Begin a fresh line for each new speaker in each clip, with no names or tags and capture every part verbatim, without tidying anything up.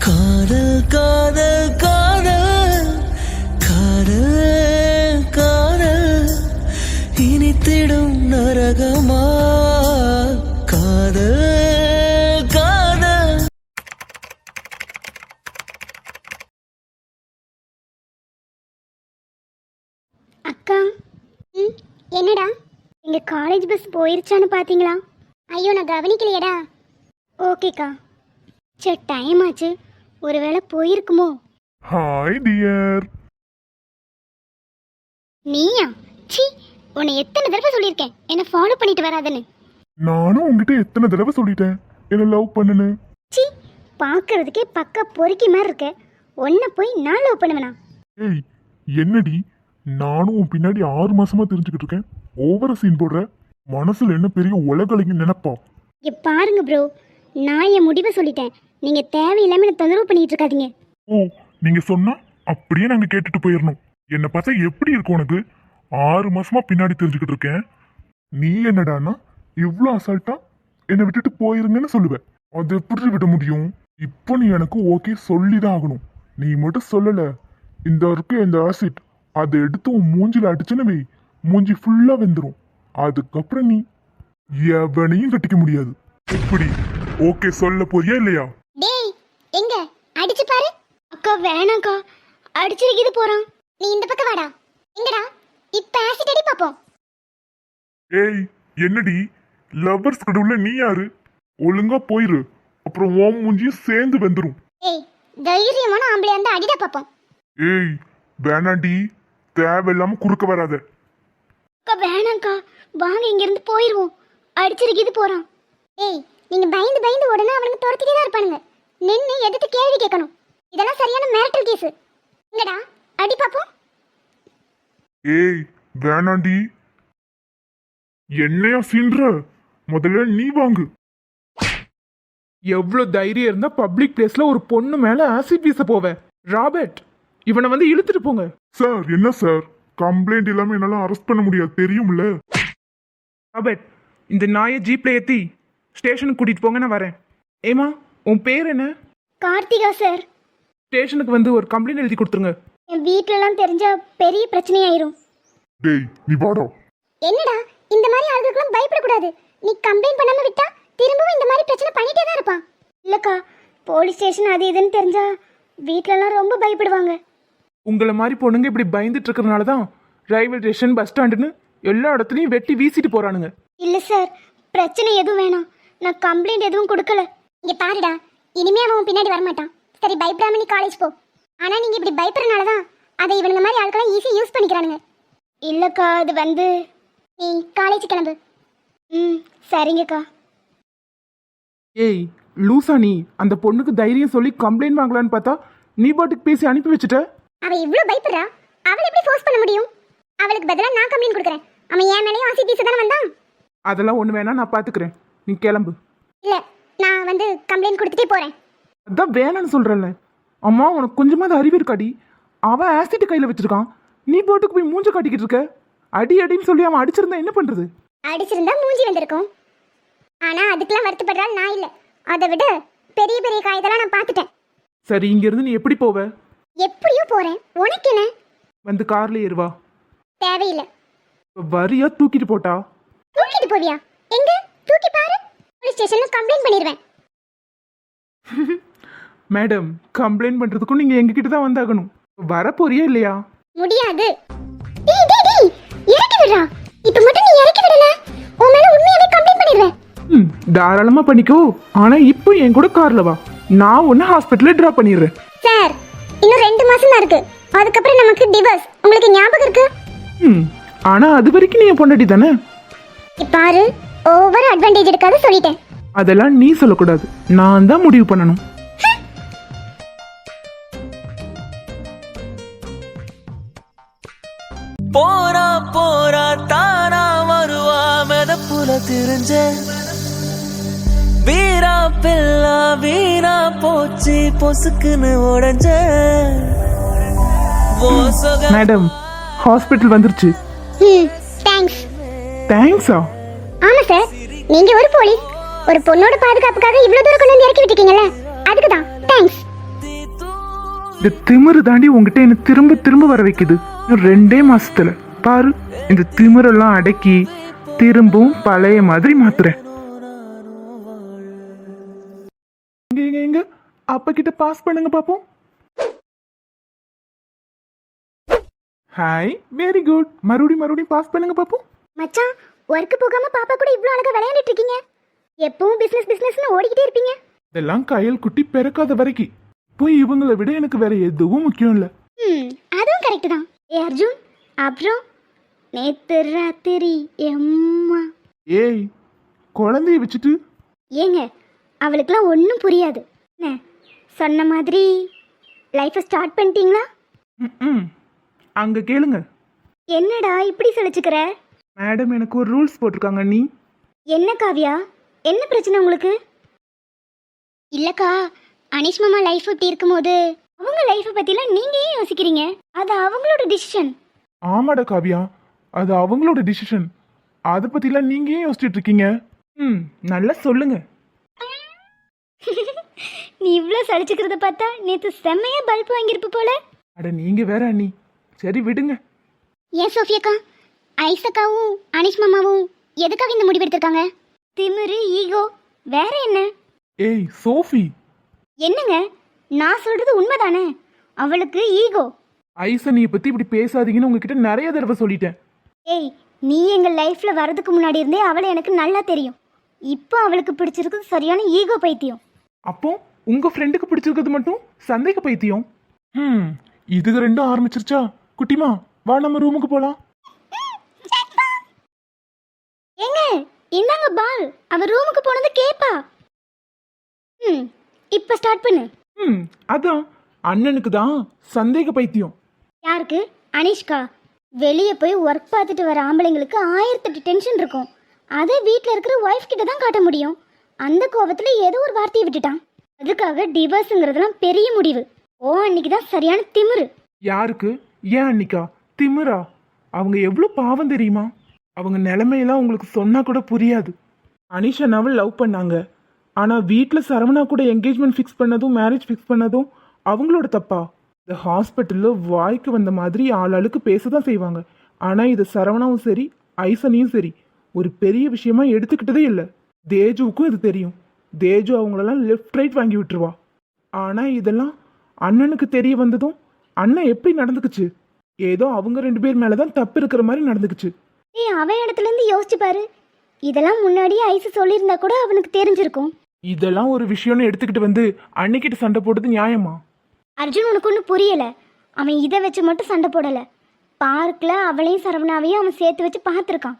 காதல் காதல் காதல் காதல் காதல் இனித்திடும் நரகமா காதல் காதல்.
அக்கா, ம் என்னடா எங்க காலேஜ் பஸ் போயிருச்சான்னு பாத்தீங்களா? ஐயோ நான் கவனிக்கலையடா. ஓகேக்கா. சரி டைம் ஆச்சு, ஒருவேளை போயிருக்குமோ?
Hi dear.
நீயா? சி, உன்னை எத்தனை தடவை சொல்லியிருக்கேன் என்ன ஃபாலோ பண்ணிட்டு வராதுன்னு.
நானும் உங்ககிட்ட எத்தனை தடவை சொல்லிட்டேன் என்ன லவ் பண்ணுன்னு.
சி, பார்க்கறதுக்கே பக்க பொறுக்கி மாதிரி இருக்க, உன்னை போய் நான் லவ் பண்ணுவேனா?
ஏய் என்னடி, நானும் உன் பின்னாடி ஆறு மாசமா தெரிஞ்சுக்கிட்டு இருக்கேன். ஓவர சீன் போடுற. மனசுல என்ன பெரிய உலகலைங்க நினைப்பா?
இங்க பாருங்க ப்ரோ, நான் என் முடிவை சொல்லிட்டேன். நீங்க தேவையில்லாம என்ன தொந்தரவு பண்ணிட்டு இருக்காதீங்க.
ஓ, நீங்க சொன்னா அப்படியே நாங்க கேட்டுட்டு போயிடணும். என்னை பார்த்தா எப்படி இருக்கும் உனக்கு? ஆறு மாசமா பின்னாடி தெரிஞ்சுக்கிட்டு இருக்கேன். நீ என்னடானா இவ்வளோ அசால்ட்டா என்னை விட்டுட்டு போயிருங்கன்னு சொல்லுவேன். அது எப்படி விட முடியும்? இப்போ நீ எனக்கு ஓகே சொல்லிதான் ஆகணும். நீ மட்டும் சொல்லல, இந்த இருக்கு இந்த ஆசிட், அதை எடுத்து உன் மூஞ்சில அடிச்சுன்னு வை, மூஞ்சி ஃபுல்லா வெந்துடும். அதுக்கப்புறம் நீ எவனையும் கட்டிக்க முடியாது. இப்படி ஓகே சொல்ல போறியா இல்லையா?
டேய் எங்க அடிச்சு பாரு. அக்கா வேணாக்கா, அடிச்சிருக்கிது போறான். நீ இந்த பக்கம் வாடா. எங்கடா இப்ப ஆசிட் அடி பாப்போம்.
ஏய் என்னடி, லவ்வர்ஸ் கடவுள நீ யாரு? ஒழுங்கா போயிரு, அப்புறம் ஓம் மூஞ்சியும் சேர்ந்து வெந்துரும்.
ஏய் தைரியமான ஆம்பளையா இருந்தா அடிடா பாப்போம்.
ஏய் வேணாண்டி, தேவையில்லாம குறுக்க வராத.
அக்கா வேணாக்கா, வாங்க இங்க இருந்து போயிருவோம். அடிச்சிருக்கிது போறான். ஏய் நீங்க பயந்து பயந்து உடனே அவனுக்கு துரத்திட்டே தான் இருப்பானுங்க. நின்று எதிர்த்து கேள்வி கேட்கணும். இதெல்லாம் சரியான மிரட்டல் கேஸ். எங்கடா அடி பாப்போம்.
ஏய் வேணாண்டி, என்னையா சீன்ற? முதல்ல நீ வாங்கு.
எவ்வளோ தைரியம் இருந்தா பப்ளிக் பிளேஸ்ல ஒரு பொண்ணு மேல ஆசிட் வீச போவேன்? ராபர்ட், இவனை வந்து இழுத்துட்டு போங்க.
சார் என்ன சார், கம்ப்ளைண்ட் இல்லாம என்னால அரெஸ்ட் பண்ண முடியாது தெரியும்ல.
ராபர்ட், இந்த நாயை ஜீப்ல ஏத்தி ஸ்டேஷனுக்கு கூட்டிட்டு போங்க, நான் வரேன். ஏமா உன் பேர் என்ன?
கார்த்திகா சார்.
ஸ்டேஷனுக்கு வந்து ஒரு கம்ப்ளைண்ட் எழுதி கொடுத்துருங்க.
என் வீட்லலாம் தெரிஞ்சா பெரிய பிரச்சனையாயிரும்.
டேய் நீ வாடா.
என்னடா இந்த மாதிரி ஆளுகளுக்கெல்லாம் பயப்படக்கூடாது. நீ கம்ப்ளைண்ட் பண்ணாம விட்டா திரும்பவும் இந்த மாதிரி பிரச்சனை பண்ணிட்டே தான் இருப்பான். இல்லக்கா, போலீஸ் ஸ்டேஷன் அது இதுன்னு தெரிஞ்சா வீட்லலாம் ரொம்ப பயப்படுவாங்க.
உங்களை மாதிரி பொண்ணுங்க இப்படி பயந்துட்டு இருக்கிறதுனால தான் ரயில்வே ஸ்டேஷன் பஸ் ஸ்டாண்டுன்னு எல்லா இடத்துலையும் வெட்டி வீசிட்டு போறானுங்க.
இல்ல சார், பிரச்சனை எதுவும் வேணாம், நான் கம்ப்ளைண்ட் எதுவும் கொடுக்கல. இங்க பாருடா, இனிமே அவன் பின்னாடி வரமாட்டான். சரி பயப்படாம நீ காலேஜ் போ. ஆனா நீங்க இப்படி பயப்படுறதுனால தான் அதை இவனுங்க மாதிரி ஆட்களாம் ஈஸியாக யூஸ் பண்ணிக்கிறானுங்க. இல்லக்கா, அது வந்து நீ காலேஜ் கிளம்பு. ம் சரிங்கக்கா.
ஏய் லூசா, நீ அந்த பொண்ணுக்கு தைரியம் சொல்லி கம்ப்ளைண்ட் வாங்கலான்னு பார்த்தா நீ பாட்டுக்கு பேசி அனுப்பி வச்சுட்ட.
அவ இவ்வளவு பயப்படுறா, அவளை எப்படி ஃபோர்ஸ் பண்ண முடியும்? அவளுக்கு பதிலா நான் கம்ப்ளைண்ட் கொடுக்குறேன். அவன் என் மேலேயும் ஆசி பீஸ் தானே வந்தான்.
அதெல்லாம் ஒன்று வேணா, நான் பார்த்துக்கிறேன், நீ கிளம்பு.
இல்ல, நான் வந்து கம்ப்ளைண்ட் கொடுத்துட்டே போறேன்.
அதான் வேணான்னு சொல்றேன்ல. அம்மா உனக்கு கொஞ்சமாவது அறிவு இருக்காடி? அவன் ஆசிட் கையில வச்சிருக்கான், நீ போட்டுக்கு போய் மூஞ்ச காட்டிக்கிட்டு இருக்க. அடி அடின்னு சொல்லி அவன் அடிச்சிருந்தா என்ன பண்றது?
அடிச்சிருந்தா மூஞ்சி வந்திருக்கும். ஆனா அதுக்கெல்லாம் வருத்தப்படுறாள் நான் இல்ல. அதை விட பெரிய பெரிய காயத்தெல்லாம் நான் பார்த்துட்டேன்.
சரி, இங்க இருந்து நீ எப்படி போவ?
எப்படியோ போறேன், உனக்கு என்ன?
வந்து கார்ல ஏறுவா.
தேவையில்லை.
வரியா தூக்கிட்டு போட்டா?
தூக்கிட்டு போவியா? எங்க தூக்கி பாரு, போலீஸ் ஸ்டேஷன்ல கம்ப்ளைண்ட் பண்ணிடுவேன்.
மேடம், கம்ப்ளைண்ட் பண்றதுக்கும் நீங்க எங்க கிட்ட தான் வந்தாகணும். வர போறியா இல்லையா?
முடியாது. டேய் டேய் டேய், இறக்கி விடுறா. இப்போ மட்டும் நீ இறக்கி விடல, உன் மேல உண்மையாவே கம்ப்ளைண்ட் பண்ணிடுவேன்.
ம் தாராளமா பண்ணிக்கோ. ஆனா இப்போ என் கூட கார்ல வா, நான் உன்னை ஹாஸ்பிட்டல்ல டிராப் பண்ணிடுறேன்.
சார், இன்னும் ரெண்டு மாசம் தான் இருக்கு, அதுக்கப்புறம் நமக்கு டிவோர்ஸ். உங்களுக்கு ஞாபகம் இருக்கு?
ம் ஆனா அது வரைக்கும் நீ என் பொண்டாட்டி தானே.
பாரு, ஓவர் அட்வான்டேஜ் எடுக்காத சொல்லிட்டேன்.
அதெல்லாம் நீ சொல்லக்கூடாது, நான் தான் முடிவு பண்ணணும்.
போரா போரா தானா வருவா மெதப்புல திரிஞ்ச வீரா பில்லா வீணா போச்சு பொசுக்குன்னு உடஞ்ச.
மேடம், ஹாஸ்பிட்டல் வந்துருச்சு.
ம் தேங்க்ஸ்.
தேங்க்ஸா?
ஆமா சார், நீங்க ஒரு போலீஸ், ஒரு பொண்ணோட பாதுகாப்புக்காக இவ்வளவு தூரம் கொண்டு வந்து இறக்கி விட்டுருக்கீங்கல்ல, அதுக்கு தான் தேங்க்ஸ்.
இந்த திமிரு தாண்டி உங்ககிட்ட என்ன திரும்ப திரும்ப வர வைக்குது. இன்னும் ரெண்டே மாசத்துல பாரு இந்த திமிரெல்லாம் அடக்கி திரும்பவும் பழைய மாதிரி மாத்துறேன். எங்க எங்க எங்க அப்பா கிட்ட பாஸ் பண்ணுங்க பாப்போம். Hi, very good. மறுபடியும் மறுபடியும் பாஸ் பண்ணுங்க பாப்போம்.
மச்சான், ஒர்க் போகாம பாப்பா கூட இவ்ளோ அழகா விளையாடிட்டு இருக்கீங்க. எப்பவும் பிசினஸ் பிசினஸ்னு ஓடிக்கிட்டே இருப்பீங்க.
இதெல்லாம் கையல் குட்டி பிறக்காத வரைக்கும் போய் இவங்களை விட எனக்கு வேற எதுவும் முக்கியம் இல்ல.
ம், அதுவும் கரெக்ட் தான். ஏ அர்ஜுன், அப்புறம் நேத்து ராத்திரி எம்மா.
ஏய், குழந்தைய வச்சுட்டு
ஏங்க, அவளுக்குலாம் ஒன்றும் புரியாது. என்ன சொன்ன மாதிரி லைஃப்பை ஸ்டார்ட் பண்ணிட்டீங்களா?
ம் அங்க கேளுங்க.
என்னடா இப்படி சொல்லிச்சுக்கிற?
மேடம் எனக்கு ஒரு ரூல்ஸ் போட்டிருக்காங்க. நீ
என்ன காவியா, என்ன பிரச்சனை உங்களுக்கு? இல்லக்கா, அனிஷ் மாமா லைஃப் இப்படி இருக்கும்போது அவங்க லைஃப்பை பற்றிலாம் நீங்கள் ஏன் யோசிக்கிறீங்க? அது அவங்களோட டிசிஷன்.
ஆமாடா காவியா, அது அவங்களோட டிசிஷன். அதை பத்திலாம் நீங்க ஏன் யோசிச்சுட்டு இருக்கீங்க? ம் நல்லா சொல்லுங்க.
நீ இவ்வளோ சலிச்சுக்கிறத பார்த்தா நேற்று செம்மையா பல்ப் வாங்கியிருப்பு போல.
அட நீங்க வேற அண்ணி. சரி விடுங்க.
ஏன் சோஃபியக்கா, ஐசக்காவும் அனிஷ் மாமாவும் எதுக்காக இந்த முடிவு எடுத்திருக்காங்க? திமிரு, ஈகோ, வேற என்ன?
ஏய் சோஃபி,
என்னங்க, நான் சொல்றது உண்மைதானே? அவளுக்கு ஈகோ.
ஐசனியை பத்தி இப்படி பேசாதீங்கன்னு உங்ககிட்ட நிறைய தடவை சொல்லிட்டேன்.
ஏய், நீ எங்கள் லைஃப்பில் வரதுக்கு முன்னாடி இருந்தே அவளை எனக்கு நல்லா தெரியும். இப்போ அவளுக்கு பிடிச்சிருக்கு சரியான ஈகோ பைத்தியம்.
அப்போ உங்க ஃப்ரெண்டுக்கு பிடிச்சிருக்கிறது மட்டும் சந்தேக பைத்தியம். ம் இதுக்கு ரெண்டும் ஆரம்பிச்சிருச்சா? குட்டிமா வா, நம்ம ரூமுக்கு போலாம்.
ஏங்க, இந்தாங்க பால். அவ ரூமுக்கு போனது கேப்பா. ம் இப்போ ஸ்டார்ட் பண்ணு.
ம் அதான் அண்ணனுக்கு தான் சந்தேக பைத்தியம்.
யாருக்கு? அனிஷ்கா. வெளியே போய் ஒர்க் பார்த்துட்டு வர ஆம்பளைங்களுக்கு ஆயிரத்தெட்டு டென்ஷன் இருக்கும். அதை வீட்டில் இருக்கிற ஒய்ஃப் கிட்ட தான் காட்ட முடியும். அந்த கோபத்தில் ஏதோ ஒரு வார்த்தையை விட்டுட்டான். அதுக்காக டிவோர்ஸுங்கிறதுலாம் பெரிய முடிவு. ஓ, அன்னைக்கு தான் சரியான திமிரு.
யாருக்கு? ஏன் அன்னிக்கா திமிரா? அவங்க எவ்வளோ பாவம் தெரியுமா? அவங்க நிலைமையெல்லாம் உங்களுக்கு சொன்னா கூட புரியாது. அனிஷானாவை லவ் பண்ணாங்க. ஆனால் வீட்டில் சரவணா கூட என்கேஜ்மெண்ட் ஃபிக்ஸ் பண்ணதும் மேரேஜ் ஃபிக்ஸ் பண்ணதும் அவங்களோட தப்பா? இந்த ஹாஸ்பிட்டலில் வாய்க்கு வந்த மாதிரி ஆளாளுக்கு பேச தான் செய்வாங்க. ஆனால் இது சரவணாவும் சரி ஐசனியும் சரி ஒரு பெரிய விஷயமா எடுத்துக்கிட்டதே இல்லை. தேஜுவுக்கும் இது தெரியும். தேஜு அவங்களெல்லாம் லெஃப்ட் ரைட் வாங்கி விட்டுருவா. ஆனால் இதெல்லாம் அண்ணனுக்கு தெரிய வந்ததும் அண்ணன் எப்படி நடந்துக்குச்சு? ஏதோ அவங்க ரெண்டு பேர் மேலே தான் தப்பு இருக்கிற மாதிரி நடந்துக்குச்சு.
ஏய், அவன் இடத்துல இருந்து யோசிச்சு பாரு. இதெல்லாம் முன்னாடியே ஐசு சொல்லியிருந்தா கூட அவனுக்கு தெரிஞ்சிருக்கும்.
இதெல்லாம் ஒரு விஷயம்னு எடுத்துக்கிட்டு வந்து அன்னைக்கிட்ட சண்டை போடுறது நியாயமா?
அர்ஜுன், உனக்கு ஒன்றும் புரியலை. அவன் இதை வச்சு மட்டும் சண்டை போடலை. பார்க்கில் அவளையும் சரவணாவையும் அவன் சேர்த்து வச்சு பார்த்துருக்கான்.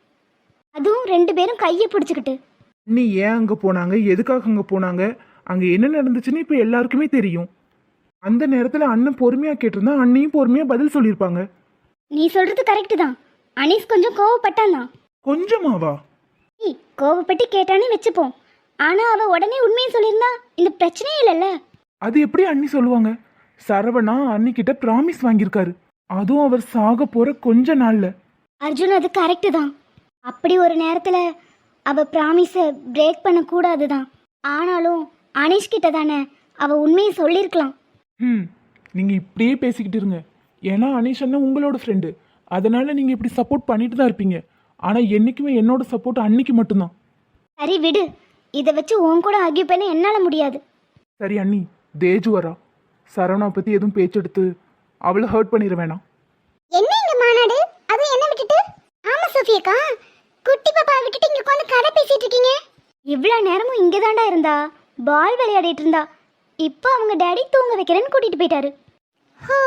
அதுவும் ரெண்டு பேரும் கையை பிடிச்சிக்கிட்டு.
நீ ஏன் அங்கே போனாங்க, எதுக்காக அங்கே போனாங்க, அங்கே என்ன நடந்துச்சுன்னு இப்போ எல்லாருக்குமே தெரியும். அந்த நேரத்தில் அண்ணன் பொறுமையாக கேட்டிருந்தா அண்ணியும் பொறுமையாக பதில் சொல்லியிருப்பாங்க.
நீ சொல்கிறது கரெக்டு தான். அனீஸ் கொஞ்சம் கோவப்பட்டான் தான்.
கொஞ்சமாவா?
நீ கோவப்பட்டு கேட்டானே வச்சுப்போம். ஆனால் அவள் உடனே உண்மையை சொல்லியிருந்தா இந்த பிரச்சனையே இல்லைல்ல.
அது எப்படி அண்ணி சொல்லுவாங்க? சரவணா அன்னிக்கிட்ட ப்ராமிஸ் வாங்கியிருக்காரு. அதுவும் அவர் சாக போகிற கொஞ்ச நாளில்.
அர்ஜுன், அது கரெக்டு தான். அப்படி ஒரு நேரத்தில் அவள் ப்ராமிஸை பிரேக் பண்ணக்கூடாது தான். ஆனாலும் அனீஷ் கிட்ட தானே அவள் உண்மையை சொல்லியிருக்கலாம்.
ம் நீங்கள் இப்படியே பேசிக்கிட்டு இருங்க. ஏன்னா அனீஷ் அண்ணன் உங்களோட ஃப்ரெண்டு. அதனால் நீங்கள் இப்படி சப்போர்ட் பண்ணிட்டு தான் இருப்பீங்க. ஆனால் என்றைக்குமே என்னோட சப்போர்ட் அன்னைக்கு மட்டும்தான்.
சரி விடு, இதை வச்சு உன் கூட ஆர்கியூ பண்ண என்னால் முடியாது.
சரி அண்ணி, தேஜு வரா. சரவணா பற்றி எதுவும் பேச்செடுத்து அவளை ஹர்ட் பண்ணிட வேணாம்.
என்ன இந்த மாநாடு? அதுவும் என்ன விட்டுட்டு? ஆமா சோஃபியக்கா, குட்டி பாப்பா விட்டுட்டு இங்க உட்காந்து கதை பேசிட்டு இருக்கீங்க. இவ்வளோ நேரமும் இங்கே தாண்டா இருந்தா, பால் விளையாடிட்டு இருந்தா. இப்போ அவங்க டேடி தூங்க வைக்கிறேன்னு கூட்டிட்டு போயிட்டாரு. ஹோ,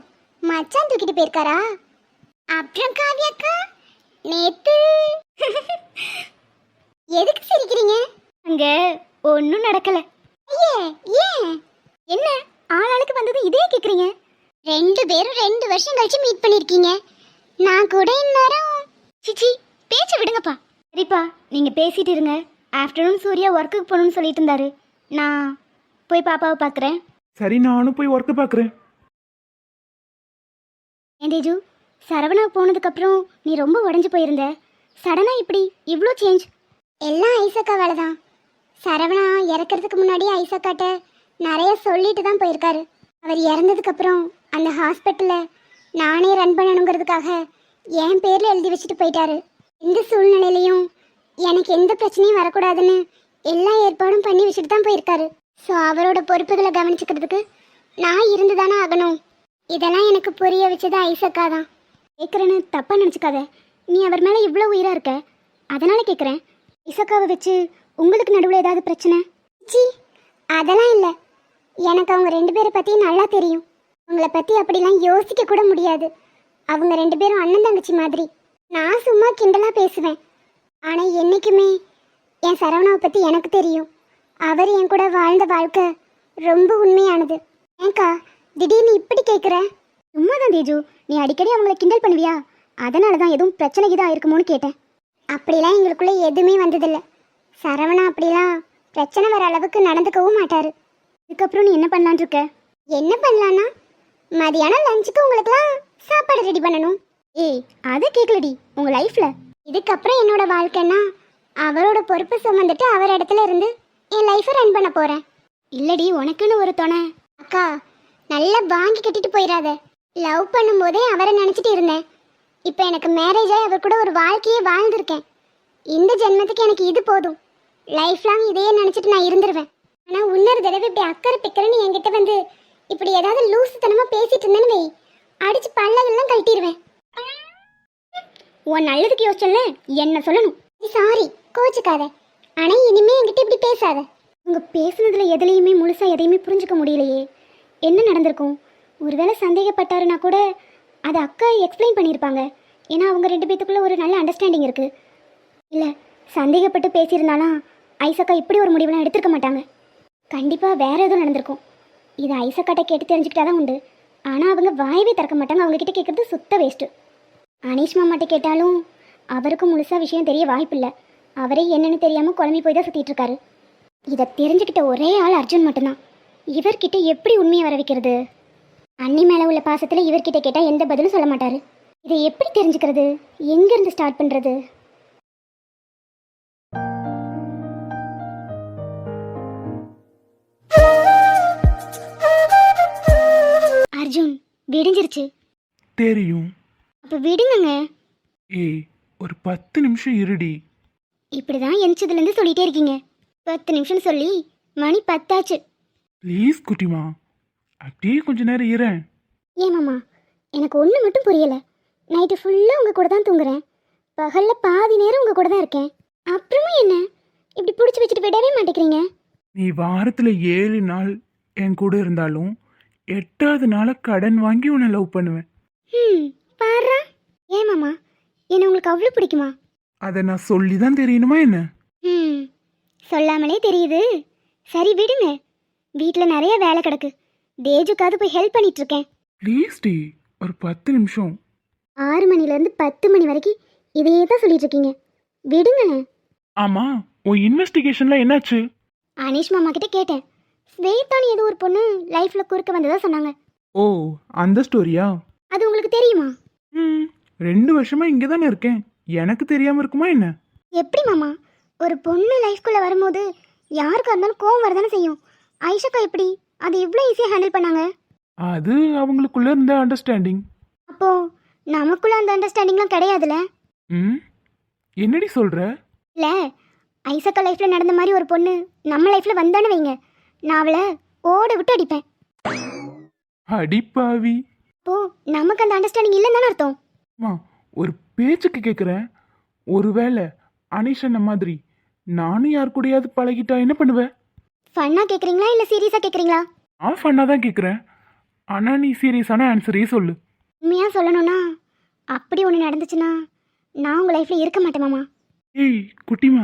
மச்சான் தூக்கிட்டு போயிருக்காரா? அப்புறம் காவியாக்கா நேத்து எதுக்கு சிரிக்கிறீங்க? அங்க ஒன்றும் நடக்கல. ஐயே, ஏன்? என்ன ஆளாளுக்கு வந்தது இதே கேக்குறீங்க? ரெண்டு பேரும் ரெண்டு வருஷம் கழிச்சு மீட் பண்ணிருக்கீங்க. நான் கூட இந்நேரம் சிச்சி பேச்ச விடுங்கப்பா. சரிப்பா, நீங்க பேசிட்டு இருங்க. ஆஃப்டர்நூன் சூர்யா ஒர்க்குக்கு போகணும்னு சொல்லிட்டு இருந்தாரு. நான் போய் பாப்பாவை பார்க்குறேன்.
சரி, நானும் போய் ஒர்க்கு பார்க்குறேன்.
ஏன் தேஜு, சரவணா போனதுக்கப்புறம் நீ ரொம்ப உடஞ்சி போயிருந்த. சடனாக இப்படி இவ்வளோ சேஞ்ச்? எல்லாம் ஐசக்கா வேலை தான். சரவணா இறக்கிறதுக்கு முன்னாடி ஐசக்காட்ட நிறைய சொல்லிட்டு தான் போயிருக்காரு. அவர் இறந்ததுக்கு அப்புறம் அந்த ஹாஸ்பிட்டலை நானே ரன் பண்ணணுங்கிறதுக்காக என் பேரில் எழுதி வச்சுட்டு போயிட்டாரு. எந்த சூழ்நிலையிலையும் எனக்கு எந்த பிரச்சனையும் வரக்கூடாதுன்னு எல்லா ஏற்பாடும் பண்ணி வச்சுட்டு தான் போயிருக்காரு. ஸோ அவரோட பொறுப்புகளை கவனிச்சுக்கிறதுக்கு நான் இருந்து தானே ஆகணும். இதெல்லாம் எனக்கு புரிய வச்சது ஐசக்கா தான். கேட்குறேன்னு தப்பாக நினச்சிக்காத. நீ அவர் மேலே இவ்வளோ உயிராக இருக்க, அதனால் கேட்குறேன். ஐசக்காவை வச்சு உங்களுக்கு நடுவில் ஏதாவது பிரச்சனை? சி, அதெல்லாம் இல்லை. எனக்கு அவங்க ரெண்டு பேரை பற்றி நல்லா தெரியும். அவங்கள பற்றி அப்படிலாம் யோசிக்க கூட முடியாது. அவங்க ரெண்டு பேரும் அண்ணன் தங்கச்சி மாதிரி. நான் சும்மா கிண்டலாக பேசுவேன். ஆனால் என்றைக்குமே என் சரவணாவை பற்றி எனக்கு தெரியும். அவர் என் கூட வாழ்ந்த வாழ்க்கை ரொம்ப உண்மையானது. ஏங்கா திடீர்னு இப்படி கேட்குற? சும்மா தான் தேஜு, நீ அடிக்கடி அவங்கள கிண்டல் பண்ணுவியா? அதனால தான் எதுவும் பிரச்சனை இதாக இருக்குமோன்னு கேட்டேன். அப்படிலாம் எங்களுக்குள்ளே எதுவுமே வந்ததில்லை. சரவணா அப்படிலாம் பிரச்சனை வர அளவுக்கு நடந்துக்கவும் மாட்டார். இதுக்கப்புறம் நீ என்ன பண்ணலான் இருக்க? என்ன பண்ணலான்னா மதியானம் லஞ்சுக்கு உங்களுக்குலாம் சாப்பாடு ரெடி பண்ணணும். ஏய், அதை கேட்கலடி. உங்கள் லைஃப்பில் இதுக்கப்புறம் என்னோட வாழ்க்கைன்னா அவரோட பொறுப்பு சுமந்துட்டு அவர் இடத்துல இருந்து என் லைஃப்பை ரன் பண்ண போகிறேன். இல்லடி, உனக்குன்னு ஒரு துணை. அக்கா, நல்லா வாங்கி கட்டிட்டு போயிடாத. லவ் பண்ணும்போதே அவரை நினச்சிட்டு இருந்தேன். இப்போ எனக்கு மேரேஜ் ஆகி அவர் கூட ஒரு வாழ்க்கையே வாழ்ந்திருக்கேன். இந்த ஜென்மத்துக்கு எனக்கு இது போதும். லைஃப் லாங் இதையே நினச்சிட்டு நான் இருந்துருவேன். ஆனால் இன்னொரு தடவை இப்படி அக்கறை பிக்கறன்னு என்கிட்ட வந்து இப்படி ஏதாவது லூசுத்தனமாக பேசிட்டு இருந்தேன்னு வை, அடிச்சு பல்லவெல்லாம் கழட்டிடுவேன். உன் நல்லதுக்கு யோசிச்சல என்ன சொல்லணும். சாரி, கோச்சுக்காத. ஆனால் இனிமே என்கிட்ட இப்படி பேசாத. உங்க பேசுனதுல எதுலையுமே முழுசா எதையுமே புரிஞ்சுக்க முடியலையே. என்ன நடந்திருக்கும்? ஒருவேளை சந்தேகப்பட்டாருன்னா கூட அதை அக்கா எக்ஸ்பிளைன் பண்ணியிருப்பாங்க. ஏன்னா அவங்க ரெண்டு பேத்துக்குள்ள ஒரு நல்ல அண்டர்ஸ்டாண்டிங் இருக்கு. இல்லை, சந்தேகப்பட்டு பேசியிருந்தாலும் ஐசக்கா இப்படி ஒரு முடிவுலாம் எடுத்துருக்க மாட்டாங்க. கண்டிப்பாக வேற எதுவும் நடந்திருக்கும். இதை ஐசக்காட்ட கேட்டு தெரிஞ்சுக்கிட்டா தான் உண்டு. ஆனால் அவங்க வாயவே திறக்க மாட்டாங்க. அவங்கக்கிட்ட கேட்குறது சுத்த வேஸ்ட்டு. அனீஷ் மாமாட்ட கேட்டாலும் அவருக்கும் முழுசாக விஷயம் தெரிய வாய்ப்பில்லை. அவரே என்னன்னு தெரியாமல் குழம்பி போய் தான் சுற்றிட்டு இருக்காரு. இதை தெரிஞ்சுக்கிட்ட ஒரே ஆள் அர்ஜுன் மட்டும்தான். இவர்கிட்ட எப்படி உண்மையை வர வைக்கிறது? அண்ணி மேலே உள்ள பாசத்தில் இவர்கிட்ட கேட்டால் எந்த பதிலும் சொல்ல மாட்டார். இதை எப்படி தெரிஞ்சுக்கிறது? எங்கேருந்து ஸ்டார்ட் பண்ணுறது? அர்ஜுன், விடிஞ்சிருச்சு.
தெரியும்.
அப்போ விடுங்கங்க.
ஏய், ஒரு பத்து நிமிஷம் இருடி.
இப்படிதான் எந்திரிச்சதுலேருந்து சொல்லிட்டே இருக்கீங்க. பத்து நிமிஷம் சொல்லி மணி பத்தாச்சு.
ப்ளீஸ் குட்டிமா, அப்படியே கொஞ்ச நேரம் இரேன்.
ஏமாம்மா, எனக்கு ஒன்று மட்டும் புரியலை. நைட்டு ஃபுல்லாக உங்கள் கூட தான் தூங்குறேன். பகலில் பாதி நேரம் உங்கள் கூட தான் இருக்கேன். அப்புறமும் என்ன இப்படி பிடிச்சி வச்சுட்டு விடவே மாட்டேங்கிறீங்க?
நீ வாரத்தில் ஏழு நாள் என் கூட இருந்தாலும் எட்டாவது நாளை கடன் வாங்கி உன்னை லவ் பண்ணுவேன்.
ம், பாரா. ஏமாம்மா, என்ன உங்களுக்கு அவ்வளோ பிடிக்குமா?
அதை நான் சொல்லி தான் தெரியணுமா என்ன?
ம், சொல்லாமலே தெரியுது. சரி விடுங்க, வீட்டில் நிறைய வேலை கிடக்கு. தேஜுக்காவது போய் ஹெல்ப் பண்ணிட்டு இருக்கேன்.
ப்ளீஸ் டி, ஒரு பத்து நிமிஷம்.
ஆறு மணிலேருந்து பத்து மணி வரைக்கும் இதையே தான் சொல்லிட்டு இருக்கீங்க. விடுங்க.
ஆமாம், உன் இன்வெஸ்டிகேஷனில் என்னாச்சு?
அனீஷ் மாமா கிட்ட கேட்டேன். ஸ்வேதான்னு ஏதோ ஒரு பொண்ணு லைஃப்பில் குறுக்க வந்ததா சொன்னாங்க.
ஓ, அந்த ஸ்டோரியா?
அது உங்களுக்கு தெரியுமா?
ம், ரெண்டு வருஷமா இங்கே தானே இருக்கேன். எனக்கு தெரியாமல் இருக்குமா என்ன?
எப்படி மாமா, ஒரு பொண்ணு லைஃப்குள்ளே வரும்போது யாருக்கா இருந்தாலும் கோவம் வரதானே செய்யும். ஐஷக்கா எப்படி அது இவ்வளோ ஈஸியாக ஹேண்டில் பண்ணாங்க?
அது அவங்களுக்குள்ள இருந்த அண்டர்ஸ்டாண்டிங்.
அப்போ நமக்குள்ள அந்த அண்டர்ஸ்டாண்டிங்லாம் கிடையாதுல்ல?
ம், என்னடி சொல்கிற?
இல்லை, ஐசக்கா லைஃப்பில் நடந்த மாதிரி ஒரு பொண்ணு நம்ம லைஃப்பில் வந்தானு வைங்க, நான் அவளை ஓட விட்டு அடிப்பேன்.
அடிப்பாவி.
அப்போ நமக்கு அந்த அண்டர்ஸ்டாண்டிங் இல்லைன்னு தானே அர்த்தம்?
அம்மா, ஒரு பேச்சுக்கு கேட்குறேன். ஒருவேளை அனிஷன்ன மாதிரி நானும் யார் கூடயாவது பழகிட்டா என்ன பண்ணுவேன்?
ஃபன்னாக கேட்குறீங்களா இல்லை சீரியஸாக கேட்குறீங்களா?
நான் ஃபன்னாக தான் கேட்குறேன். ஆனால் நீ சீரியஸான ஆன்சரே சொல்லு.
உண்மையாக சொல்லணும்னா அப்படி ஒன்று நடந்துச்சுன்னா நான் உங்கள் லைஃப்பில் இருக்க மாட்டேன் மாமா.
ஏய் குட்டிமா,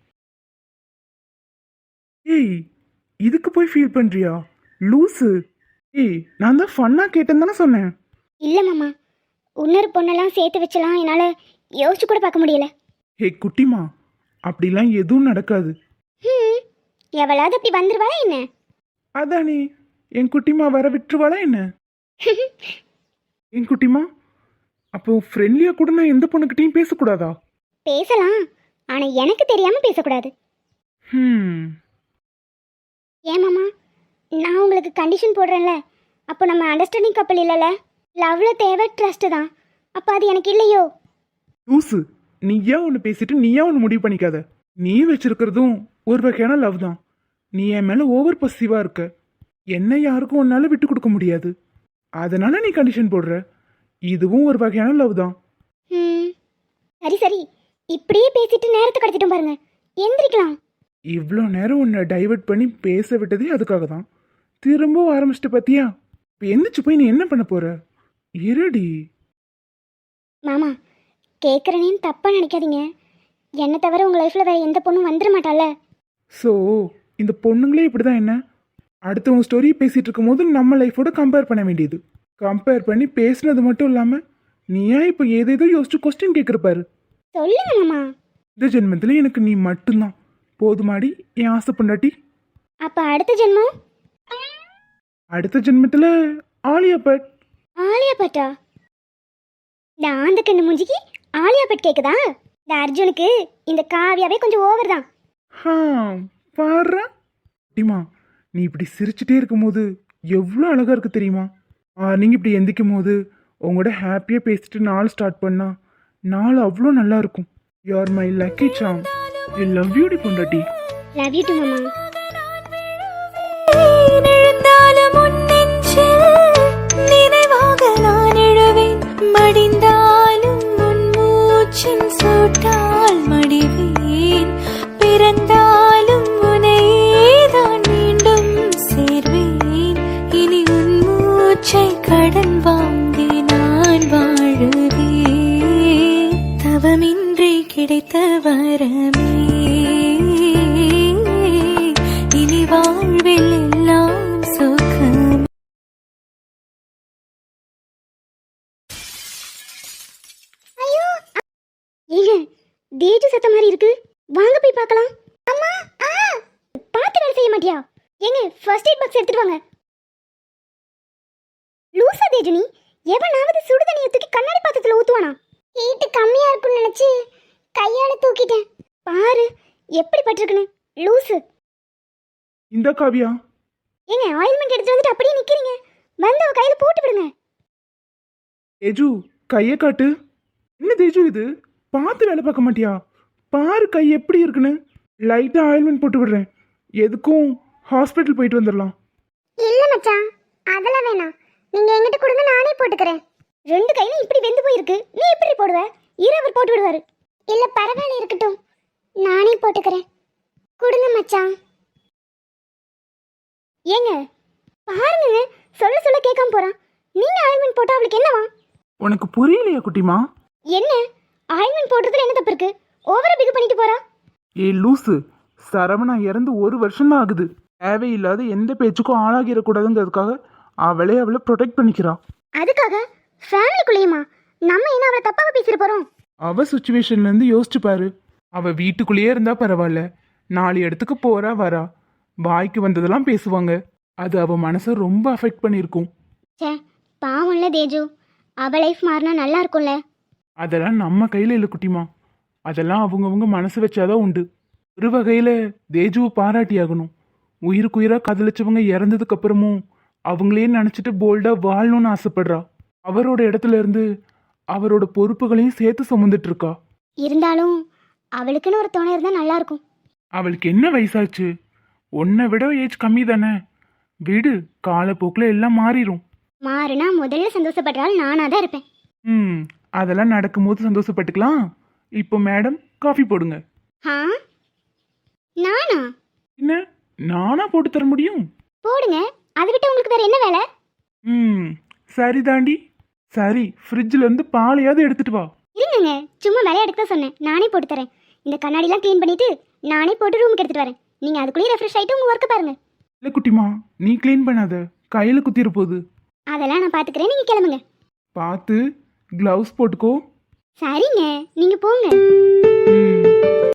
ஏய் இதுக்கு போய் ஃபீல் பண்ணுறியா லூஸு? ஏய், நான் தான் ஃபன்னாக கேட்டேன்னு தானே சொன்னேன்.
இல்லை மாமா, இன்னொரு பொண்ணெல்லாம் சேர்த்து வச்சலாம் என்னால் யோசிச்சு கூட பார்க்க முடியல.
ஏ குட்டிமா, அப்படிலாம் எதுவும் நடக்காது.
ம், எவளாவது அப்படி வந்துருவாளா என்ன?
அதானே, என் குட்டிமா வர விட்டுருவாளா என்ன? என் குட்டிமா, அப்போ ஃப்ரெண்ட்லியாக கூட நான் எந்த பொண்ணுக்கிட்டையும் பேசக்கூடாதா?
பேசலாம், ஆனால் எனக்கு தெரியாமல் பேசக்கூடாது.
ம்,
ஏன் மாமா, நான் உங்களுக்கு கண்டிஷன் போடுறேன்ல, அப்போ நம்ம அண்டர்ஸ்டாண்டிங் கப்பல் இல்லைல்ல. லவ்ல தேவை ட்ரஸ்ட் தான். அப்போ அது எனக்கு இல்லையோ?
லூசு, நீயா ஒன்று பேசிட்டு நீயா ஒன்று முடிவு பண்ணிக்காத. நீ வச்சிருக்கிறதும் ஒரு வகையான லவ் தான். நீ என் மேலே ஓவர் பொசிட்டிவாக இருக்க. என்ன யாருக்கும் உன்னால விட்டு கொடுக்க முடியாது. அதனால நீ கண்டிஷன் போடுற. இதுவும் ஒரு வகையான லவ் தான்.
ம் சரி சரி, இப்படியே பேசிட்டு நேரத்தை கடத்திட்டோம் பாருங்க. எந்திரிக்கலாம்.
இவ்வளோ நேரம் உன்னை டைவர்ட் பண்ணி பேச விட்டதே அதுக்காக தான். திரும்பவும் ஆரம்பிச்சிட்டு பார்த்தியா? இப்போ எந்திரிச்சு போய் நீ என்ன பண்ண போற? இருடி.
மாமா, கேட்குறேன்னு தப்பாக நினைக்காதீங்க. என்னை தவிர உங்கள் லைஃப்பில் வேறு எந்த பொண்ணும் வந்துட மாட்டால.
ஸோ இந்த பொண்ணுங்களே இப்படி தான். என்ன அடுத்தவங்க ஸ்டோரி பேசிகிட்டு இருக்கும்போது நம்ம லைஃபோட கம்பேர் பண்ண வேண்டியது. கம்பேர் பண்ணி பேசுனது மட்டும் இல்லாமல் நீ ஏன் இப்போ ஏதேதோ யோசிச்சு கொஸ்டின் கேட்குற பாரு.
சொல்லுங்க மாமா.
இந்த ஜென்மத்தில் எனக்கு நீ மட்டும்தான் போதுமாடி என் ஆசை பொண்டாட்டி.
அப்போ அடுத்த ஜென்மம்?
அடுத்த ஜென்மத்தில் ஆலியா பட்.
ஆலியா பட்டா? இந்த ஆந்த கண்ணு மூஞ்சிக்கு ஆலியா பட் கேக்குதா? இந்த அர்ஜுனுக்கு இந்த காவியாவே கொஞ்சம் ஓவர் தான்.
ஹா பாரு டிமா, நீ இப்படி சிரிச்சுட்டே இருக்கும்போது எவ்வளோ அழகாக இருக்கு தெரியுமா? நீங்கள் இப்படி எந்திக்கும் போது உங்களோட ஹாப்பியாக பேசிட்டு நாள் ஸ்டார்ட் பண்ணா நாள் அவ்வளோ நல்லா இருக்கும். You are my lucky charm. I love you டி பொண்டாட்டி.
லவ் யூ டு மாமா.
எழுந்தாலும் உன் நெஞ்சில் நினைவாக நான் எழுவேன். மடிந்தாலும் உன் மூச்சின் சூட்டால் மடிவேன். பிறந்தாலும் உனையேதான் மீண்டும் சேர்வேன். இனி உன் மூச்சை கடன் வாங்கி நான் வாழுவேன். தவமின்றி கிடைத்த வரமே இனி வாழ்வில் எல்லாம் சுகம்.
ஐயோ ஏங்க, தேஜு சத்த மாதிரி இருக்கு. வாங்க போய் பார்க்கலாம். அம்மா, ஆ பார்த்து வேலை செய்ய மாட்டியா? ஏங்க, ஃபர்ஸ்ட் எய்ட் பாக்ஸ் எடுத்துட்டு வாங்க. லூசா தேஜு, நீ எவனாவது சுடு தண்ணியை தூக்கி கண்ணாடி பாத்திரத்துல ஊத்துவானா? ஹீட்டு கம்மியா இருக்கும்னு நினைச்சு கையால தூக்கிட்டேன். பாரு எப்படி பட்டிருக்குன்னு. லூசு.
இந்த காவியா,
ஏங்க, ஆயில்மெண்ட் எடுத்துட்டு வந்துட்டு அப்படியே நிக்கிறீங்க. வந்து அவ கையில போட்டு விடுங்க.
தேஜு கையை காட்டு. என்ன தேஜு இது? பார்த்து வேலை பார்க்க மாட்டியா? பாரு கை எப்படி இருக்குன்னு. லைட்டாக ஆயில்மெண்ட் போட்டு விடுறேன். எதுக்கும் ஹாஸ்பிட்டல் போயிட்டு வந்துடலாம்.
இல்ல மச்சான், அதெல்லாம் வேணாம். நீங்க எங்கிட்ட கொடுங்க, நானே போட்டுக்கிறேன். ரெண்டு கையிலும் இப்படி வெந்து போயிருக்கு. நீ எப்படி போடுவ? இரவர் போட்டு விடுவாரு. இல்ல பரவாயில்ல, இருக்கட்டும், நானே போட்டுக்கிறேன். கொடுங்க மச்சான். ஏங்க பாருங்க, சொல்ல சொல்ல கேட்காம போறான். நீங்க ஆயில்மெண்ட் போட்டா அவளுக்கு என்னவா?
உனக்கு புரியலையா குட்டிமா?
என்ன ஆயில்மெண்ட் போடுறதுல என்ன தப்பு இருக்கு? ஓவரா பிகு பண்ணிட்டு போறா.
ஏ லூசு, சரவணா இறந்து ஒரு வருஷம் தான் ஆகுது. தேவையில்லாத எந்த பேச்சுக்கும் ஆளாகிடக்கூடாதுங்கிறதுக்காக அவளே அவளை ப்ரொடெக்ட் பண்ணிக்கிறா.
அதுக்காக ஃபேமிலிக்குள்ளேயுமா? நம்ம என்ன அவளை தப்பாக பேசிட்டு போறோம்?
அவ சுச்சுவேஷன்ல இருந்து யோசிச்சு பாரு. அவ வீட்டுக்குள்ளேயே இருந்தா பரவாயில்ல, நாலு இடத்துக்கு போறா வரா, வாய்க்கு வந்ததெல்லாம் பேசுவாங்க. அது அவ மனசை ரொம்ப அஃபெக்ட் பண்ணியிருக்கும்.
சே, பாவம்ல தேஜு. அவ லைஃப் மாறினா நல்லா இருக்கும்ல.
அதெல்லாம் நம்ம கையில இல்லை குட்டிமா. அதெல்லாம் அவங்கவுங்க மனசு வச்சாதான் உண்டு. ஒரு வகையில தேஜுவை பாராட்டி ஆகணும். உயிருக்கு உயிரா காதலிச்சவங்க இறந்ததுக்கு அப்புறமும் அவங்களே நினைச்சிட்டு போல்டா வாழணும்னு ஆசைப்படுறா. அவரோட இடத்துல இருந்து அவரோட பொறுப்புகளையும் சேர்த்து சுமந்துட்டு இருக்கா.
இருந்தாலும் அவளுக்குன்னு ஒரு துணை இருந்தா நல்லா இருக்கும்.
அவளுக்கு என்ன வயசாச்சு? உன்னை விட ஏஜ் கம்மி தானே. விடு, காலப்போக்கில் எல்லாம் மாறிடும்.
மாறுனா முதல்ல சந்தோஷப்படுறாள் நானா தான் இருப்பேன்.
ம் அதெல்லாம் நடக்கும்போது சந்தோஷப்பட்டுக்கலாம். இப்போ மேடம் காஃபி போடுங்க.
ஆ நானா?
என்ன நானா போட்டு தர முடியும்?
போடுங்க. அதை விட்டு உங்களுக்கு வேற என்ன வேலை?
ம் சரி தாண்டி. சரி, ஃப்ரிட்ஜில் இருந்து பாலையாவது எடுத்துட்டு வா.
இருங்கங்க, சும்மா விளையாடுக்க தான் சொன்னேன். நானே போட்டு தரேன். இந்த கண்ணாடிலாம் க்ளீன் பண்ணிட்டு நானே போட்டு ரூமுக்கு எடுத்துட்டு வரேன். நீங்க அதுக்குள்ளேயே ரெஃப்ரெஷ் ஆயிட்டு உங்க ஒர்க்கை பாருங்க.
இல்லை குட்டிமா, நீ க்ளீன் பண்ணாத, கையில் குத்திர போகுது.
அதெல்லாம் நான் பாத்துக்கிறேன், நீங்க கிளம்புங்க.
பார்த்து க்ளவுஸ் போட்டுக்கோ.
சரிங்க, நீங்க போங்க.
ம்